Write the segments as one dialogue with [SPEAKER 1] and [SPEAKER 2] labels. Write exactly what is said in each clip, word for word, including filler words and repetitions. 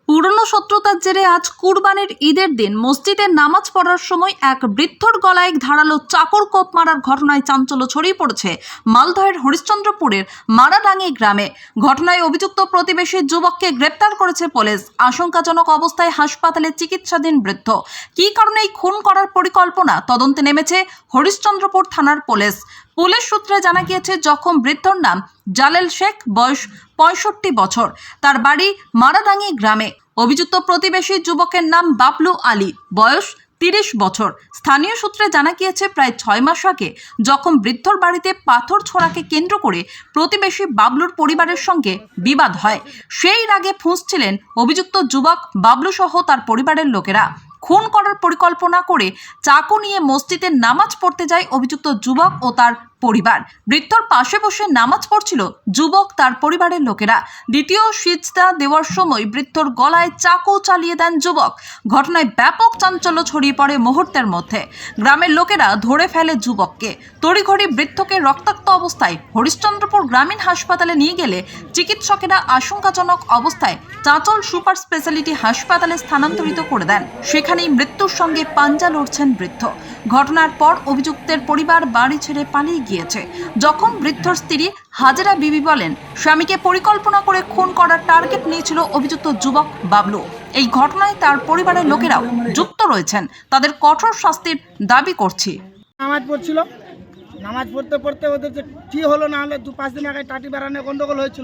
[SPEAKER 1] পুরনো শত্রুতার জেরে আজ কুরবানির ঈদের দিন মসজিদে নামাজ পড়ার সময় এক বৃদ্ধর গলায় ধারালো চাকর কোপ মারার ঘটনায় চাঞ্চল্য ছড়িয়ে পড়েছে মালদহের হরিশ্চন্দ্রপুরের মারাডাঙ্গি গ্রামে। ঘটনায় অভিযুক্ত প্রতিবেশী যুবককে গ্রেপ্তার করেছে পুলিশ। আশঙ্কাজনক অবস্থায় হাসপাতালে চিকিৎসাধীন বৃদ্ধ। কী কারণে এই খুন করার পরিকল্পনা তদন্তে নেমেছে হরিশ্চন্দ্রপুর থানার পুলিশ। পুলিশ সূত্রে জানা গিয়েছে, জখম বৃদ্ধর নাম জালেল শেখ, বয়স পঁয়ষট্টি বছর। তার বাড়ি মারাডাঙ্গি গ্রামে। অভিযুক্ত প্রতিবেশী যুবকের নাম বাবলু আলী, বয়স তিরিশ বছর। স্থানীয় সূত্রে জানা গিয়েছে, প্রায় ছয় মাস আগে যখন বৃদ্ধর বাড়িতে পাথর ছোড়াকে কেন্দ্র করে প্রতিবেশী বাবলুর পরিবারের সঙ্গে বিবাদ হয়। সেই রাগে ফুঁসছিলেন অভিযুক্ত যুবক বাবলু সহ তার পরিবারের লোকেরা। খুন করার পরিকল্পনা করে চাকু নিয়ে মসজিদে নামাজ পড়তে যায় অভিযুক্ত যুবক ও তার পরিবার। বৃদ্ধর পাশে বসে নামাজ পড়ছিল যুবক তার পরিবারের লোকেরা। দ্বিতীয় সিজদা দেওয়ার সময় বৃদ্ধর গলায় চাকু চালিয়ে দেন যুবক। ঘটনায় ব্যাপক চাঞ্চল্য ছড়িয়ে পড়ে মুহূর্তের মধ্যে। গ্রামের লোকেরা ধরে ফেলে যুবককে। তড়িঘড়ি বৃদ্ধকে রক্তাক্ত অবস্থায় হরিশ্চন্দ্রপুর গ্রামীণ হাসপাতালে নিয়ে গেলে চিকিৎসকেরা আশঙ্কাজনক অবস্থায় চাঁচল সুপার স্পেশালিটি হাসপাতালে স্থানান্তরিত করে দেন। সেখানেই মৃত্যুর সঙ্গে পাঞ্জা লড়ছেন বৃদ্ধ। ঘটনার পর অভিযুক্তের পরিবার বাড়ি ছেড়ে পালিয়ে গিয়েছে। যখন বৃদ্ধর স্ত্রী হাজেরা বিবি বলেন, স্বামীকে পরিকল্পনা করে খুন করার টার্গেট নিয়েছিল অভিযুক্ত যুবক বাবলু। এই ঘটনায় তার পরিবারের লোকেরাও যুক্ত রয়েছেন। তাদের কঠোর শাস্তির দাবি করছি।
[SPEAKER 2] নামাজ পড়ছিল, নামাজ পড়তে পড়তে ওদের যে কী হলো না হলে দু পাঁচ দিন আগে টাটি বেড়ানো গন্ডগোল হয়েছিল।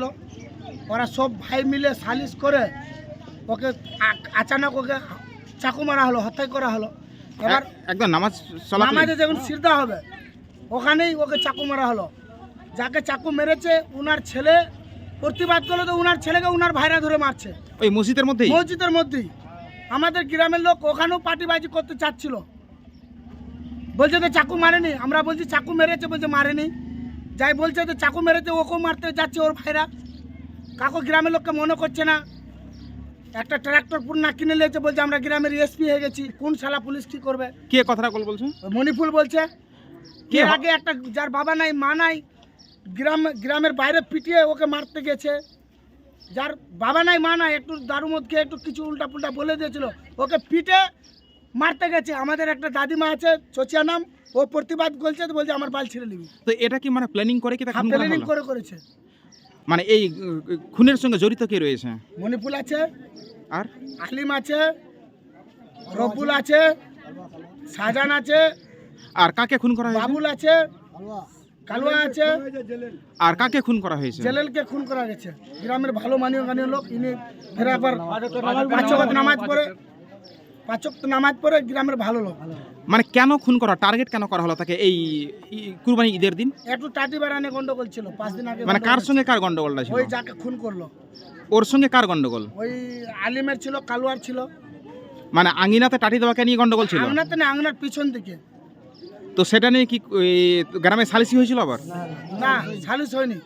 [SPEAKER 2] ওরা সব ভাই মিলে সালিশ করে ওকে আচানক ওকে চাকু মারা হলো, হত্যা করা হলো। এবার
[SPEAKER 3] একদম নামাজ
[SPEAKER 2] নামাজে যখন সিজদা হবে ওখানেই ওকে চাকু মারা হলো। যাকে চাকু মেরেছে উনার ছেলে প্রতিবাদ করলো, তো উনার ছেলেকে উনার ভাইরা ধরে মারছে
[SPEAKER 3] ওই মসজিদের মধ্যেই
[SPEAKER 2] মসজিদের মধ্যেই। আমাদের গ্রামের লোক ওখানেও পার্টিবাজি করতে চাচ্ছিল, বলছে তো চাকু মারেনি। আমরা বলছি চাকু মেরেছে, বলছে মারেনি। যাই বলছে তো চাকু মেরেছে, ওকেও মারতে যাচ্ছে ওর ভাইরা। কাকু গ্রামের লোককে মনে করছে না। একটা ট্রাক্টর পুরো কিনে নিয়েছে, বলছে আমরা গ্রামের এসপি হয়ে গেছি। কোন শালা পুলিশ কি করবে?
[SPEAKER 3] কে কথাটা বলছে?
[SPEAKER 2] মণিপুর বলছে। কে আগে একটা যার বাবা নাই মা নাই গ্রাম গ্রামের বাইরে পিটিয়ে ওকে মারতে গেছে। যার বাবা নাই মা নাই একটু দারু মদ খেয়ে একটু কিছু উল্টা পুল্টা বলে দিয়েছিল, ওকে পিটে মারতে গেছে। আমাদের একটা দাদিমা আছে চচিয়া নাম, ও প্রতিবাদ করছে, তো বলছে আমার বাল ছিঁড়ে নিবি।
[SPEAKER 3] তো এটা কি মানে প্ল্যানিং করে কি তা খুন করা
[SPEAKER 2] প্ল্যানিং
[SPEAKER 3] হলো?
[SPEAKER 2] করে করেছে।
[SPEAKER 3] মানে এই খুনের সঙ্গে জড়িত কে রয়েছে?
[SPEAKER 2] মণিপুর আছে,
[SPEAKER 3] আর
[SPEAKER 2] আলিম আছে, রবুল আছে, শাহজাহান আছে,
[SPEAKER 3] আর কাকে খুন করা হয়েছে?
[SPEAKER 2] বাবুল আছে, কালুয়া আছে।
[SPEAKER 3] আর কাকে খুন করা হয়েছে?
[SPEAKER 2] জেলেলকে খুন করা গেছে। গ্রামের ভালো মানীয় গানীয় লোক, ইনি ফের একবার পাঁচ ওয়াক্ত নামাজ পড়ে, পাঁচ ওয়াক্ত নামাজ পড়ে গ্রামের ভালো লোক।
[SPEAKER 3] মানে কেন খুন করা, টার্গেট কেন করা হলো তাকে এই কুরবানি ঈদের দিন?
[SPEAKER 2] একটু টাটি বেড়ানে গন্ডগোল ছিল পাঁচ দিন আগে।
[SPEAKER 3] মানে কার সঙ্গে কার গন্ডগোলটা ছিল?
[SPEAKER 2] ওই যাকে খুন করলো
[SPEAKER 3] ওর সঙ্গে কার গন্ডগোল?
[SPEAKER 2] ওই আলিমের ছিল, কালুয়ার ছিল।
[SPEAKER 3] মানে আঙিনাতে টাটি দেওয়াকে নিয়ে গন্ডগোল ছিল?
[SPEAKER 2] আঙনাতে না, আঙনার পিছন দিকে।
[SPEAKER 3] তো সেটা নিয়ে কি গ্রামে সালিসি হয়েছিল? আবার
[SPEAKER 2] না, সালিশ হয়নি।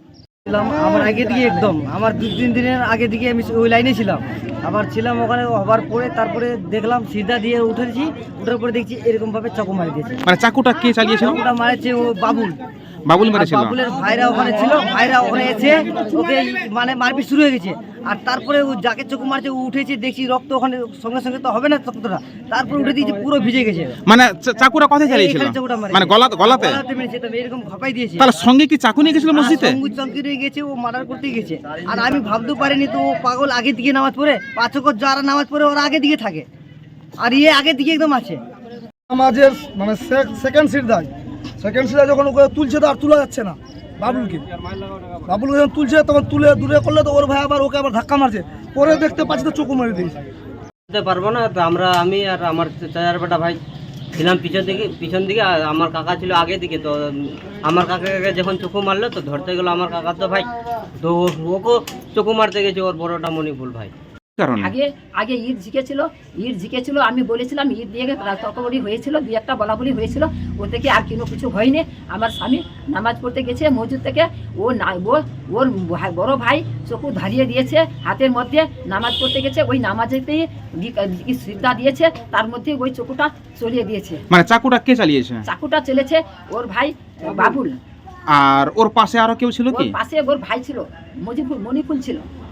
[SPEAKER 4] আমার আগে দিকে একদম আমার দু তিন দিনের আগে দিকে আমি ওই লাইনে ছিলাম। আবার ছিলাম ওখানে হবার পরে তারপরে দেখলাম সিধা দিয়ে উঠেছি, উঠার পরে দেখছি এরকম ভাবে চাকু মারি দিয়েছে।
[SPEAKER 3] মানে চাকুটা কে চালিয়েছিল?
[SPEAKER 4] চাকুটা মারেছে ও বাবুল।
[SPEAKER 3] বাবুল মেরেছিল?
[SPEAKER 4] বাবুলের ভাইরা ওখানে ছিল, ভাইরা ওখানে এসে ওকে মানে মারপিট শুরু হয়ে গেছে। আর তারপরে ও যাকে চকু মারছে ও উঠেছে, দেখছি রক্ত ওখানে, সঙ্গে সঙ্গে তো হবে না রক্তটা, তারপরে উঠে দিয়েছে, পুরো ভিজে গেছে।
[SPEAKER 3] মানে চাকুটা কোথায় চালিয়েছিল? মানে গলা গলাতে?
[SPEAKER 4] গলাতে মেরেছে, তবে এরকম ঘাপাই দিয়েছে।
[SPEAKER 3] তাহলে সঙ্গে কি চাকু নিয়ে গেছিল মসজিদে?
[SPEAKER 4] সঙ্গে চমকে দিয়ে গেছে, ও মার্ডার করতে গেছে। আর আমি ভাবতে পারিনি তো ও পাগল আগে দিকে নামাজ পড়ে, পাঁচ ওয়াক্ত যারা নামাজ পড়ে ওরা আগে দিকে থাকে, আর ইয়ে আগে দিকে একদম আছে।
[SPEAKER 2] নামাজের মানে সেকেন্ড সিট দেয়, সেকেন্ড সিটে যখন ওকে তুলছে তো আর তোলা যাচ্ছে না বাবুলকে। বাবুলকে যখন তুলছে তখন তুলে দূরে করলে তো ওর ভাই আবার ওকে আবার ধাক্কা মারছে, পরে দেখতে পাচ্ছি তো চোখু মেরে দিয়েছে।
[SPEAKER 5] বলতে পারবো না তো, আমরা আমি আর আমার চাচার বেটা ভাই ছিলাম পিছন দিকে পিছন দিকে আর আমার কাকা ছিল আগে দিকে। তো আমার কাকাকে যখন চোখু মারলো তো ধরতে গেলো আমার কাকা তো ভাই, তো ওকে চোখু মারতে গেছে ওর বড়টা মণিপুর ভাই।
[SPEAKER 6] আগে আগে ঈদ জিকেছিল, ঈদ জিকেছিল আমি বলেছিলাম ঈদ দিয়ে তর্কবড়ি হয়েছিল, দুই একটা বলাবলি হয়েছিল, ও থেকে আর কোনো কিছু হয়নি। আমার স্বামী নামাজ পড়তে গেছে মসজিদ থেকে, ও না ও ওর বড় ভাই চকু ধারিয়ে দিয়েছে হাতের মধ্যে, নামাজ পড়তে গেছে, ওই নামাজেতেই সিদ্ধা দিয়েছে, তার মধ্যে ওই চকুটা চলিয়ে দিয়েছে।
[SPEAKER 3] মানে চাকুটা কে চালিয়েছে?
[SPEAKER 6] চাকুটা চলেছে ওর ভাই বাবুল।
[SPEAKER 3] আর ওর পাশে আরো কেউ ছিল কি?
[SPEAKER 6] পাশে ওর ভাই ছিল, মজিবুর মণিপুর ছিল।